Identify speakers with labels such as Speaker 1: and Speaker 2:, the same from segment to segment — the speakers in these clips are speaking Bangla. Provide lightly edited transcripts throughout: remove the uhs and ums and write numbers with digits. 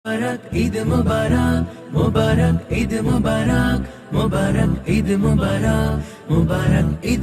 Speaker 1: মুবারক ঈদ মুবারক, মুবারক ঈদ মুবারক, মুবারক ঈদ মুবারক, মুবারক ঈদ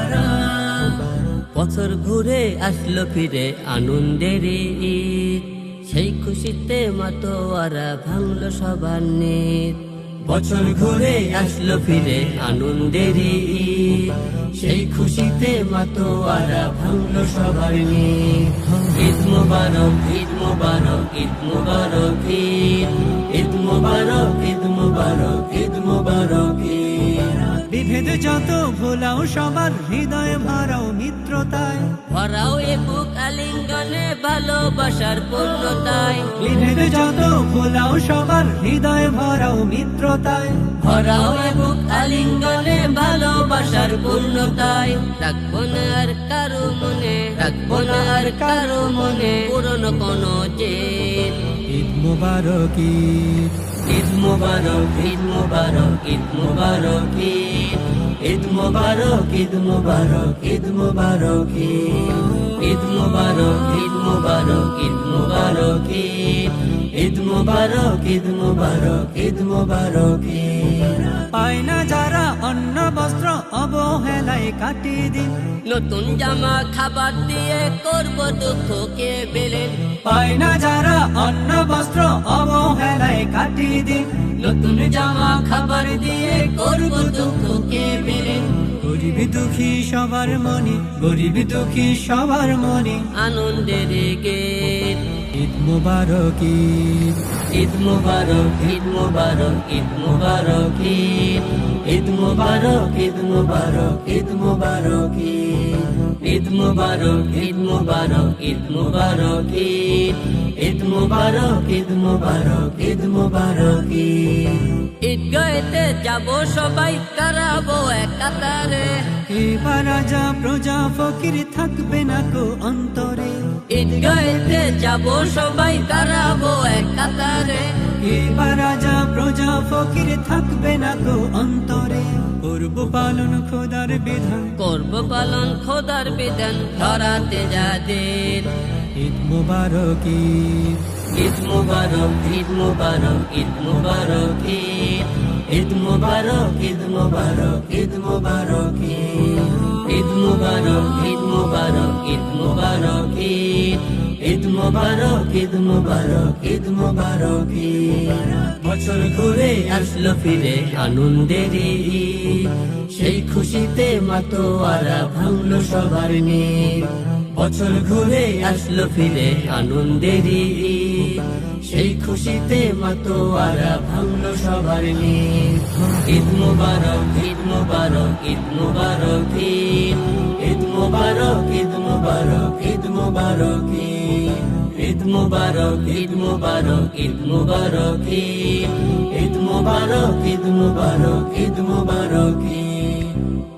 Speaker 1: মুবারক।
Speaker 2: বছর ঘুরে আসলো ফিরে আনন্দের ঈদ, সেই খুশিতে মাতোয়ারা ভাঙলো সবার নিদ। বছর ঘুরে আসলো ফিরে আনন্দের ঈদ, সেই খুশিতে মাতোয়ারা ভাঙলো সবার নিদ। ঈদ মুবারক, ঈদ মুবারক, ঈদ মুবারক ঈদ, ঈদ মুবারক, ঈদ মুবারক, ঈদ মুবারক ঈদ।
Speaker 3: বিভেদ যত ভোলাও সবার হৃদয় ভরাও মিত্রতায়,
Speaker 2: ভরাও এ বুক আলিঙ্গনে ভালোবাসার পূর্ণতায়।
Speaker 3: বিভেদ যত ভোলাও সবার হৃদয় ভরাও মিত্রতায়,
Speaker 2: ভরাও এ বুক আলিঙ্গনে ভালোবাসার পূর্ণতায়। রাখবো না আর কারো মনে, রাখবো না আর কারো মনে পুরনো কোনো জেদ।
Speaker 3: ঈদ মুবারক ঈদ,
Speaker 2: ঈদ মুবারক, ঈদ মুবারক, ঈদ মুবারক ঈদ, ঈদ মুবারক, ঈদ মুবারক, ঈদ মুবারক ঈদ। ঈদ মুবারক, ঈদ মুবারক, ঈদ মুবারক ঈদ, ঈদ মুবারক, ঈদ মুবারক, ঈদ মুবারক ঈদ।
Speaker 3: পায় না যারা অন্ন বস্ত্র অবহেলায় কাটিয়ে দিন,
Speaker 2: নতুন জামা খাবার দিয়ে করব দুঃখকে বেলেন।
Speaker 3: পায় না যারা অন্ন বস্ত্র অবহেলায় কাটিয়ে দিন,
Speaker 2: নতুন জামা খাবার দিয়ে করব দুঃখকে বেলেন।
Speaker 3: গরিব দুঃখী সবার মনে, গরিব দুঃখী সবার মনে
Speaker 2: আনন্দের গীত।
Speaker 3: ঈদ মুবারক ঈদ,
Speaker 2: ঈদ মুবারক, ঈদ মুবারক, ঈদ মুবারক ঈদ, ঈদ মুবারক, ঈদ মুবারক, ঈদ মুবারক ঈদ। ঈদ মুবারক, ঈদ মুবারক, ঈদ মুবারক ঈদ, ঈদ মুবারক, ঈদ মুবারক, ঈদ মুবারক ঈদ। ঈদগাহেতে যাব সবাই কারাবো এক কাতারে,
Speaker 3: এবার রাজা প্রজা ফকির থাকবে না কো অন্তরে।
Speaker 2: ঈদগাহেতে যাব সবাই কারাবো এক কাতারে।
Speaker 3: এবার রাজা প্রজা ফকির থাকবে না কো অন্তরে। করব পালন খোদার বিধান,
Speaker 2: করব পালন খোদার বিধান ধরাতে যাদের।
Speaker 3: ঈদ মুবারক ঈদ,
Speaker 2: ঈদ মুবারক, ঈদ মুবারক, ঈদ মুবারক ঈদ, ঈদ মুবারক, ঈদ মুবারক, ঈদ মুবারক ঈদ। ঈদ মুবারক, ঈদ মুবারক, ঈদ মুবারক ঈদ, ঈদ মুবারক, ঈদ মুবারক, ঈদ মুবারক ঈদ। বছর ঘুরে আসলো ফিরে আনন্দের ঈদ, সেই খুশিতে মাতোয়ারা ভাঙলো সবার নিদ। বছর ঘুরে আসলো ফিরে আনন্দের ঈদ, সেই খুশিতে মাতোয়ারা ভাঙলো সবার নিদ। ঈদ মুবারক, ঈদ মুবারক, ঈদ মুবারক ঈদ, ঈদ মুবারক, ঈদ মুবারক, ঈদ মুবারক ঈদ। ঈদ মুবারক, ঈদ মুবারক, ঈদ মুবারক ঈদ, ঈদ মুবারক, ঈদ মুবারক, ঈদ মুবারক ঈদ।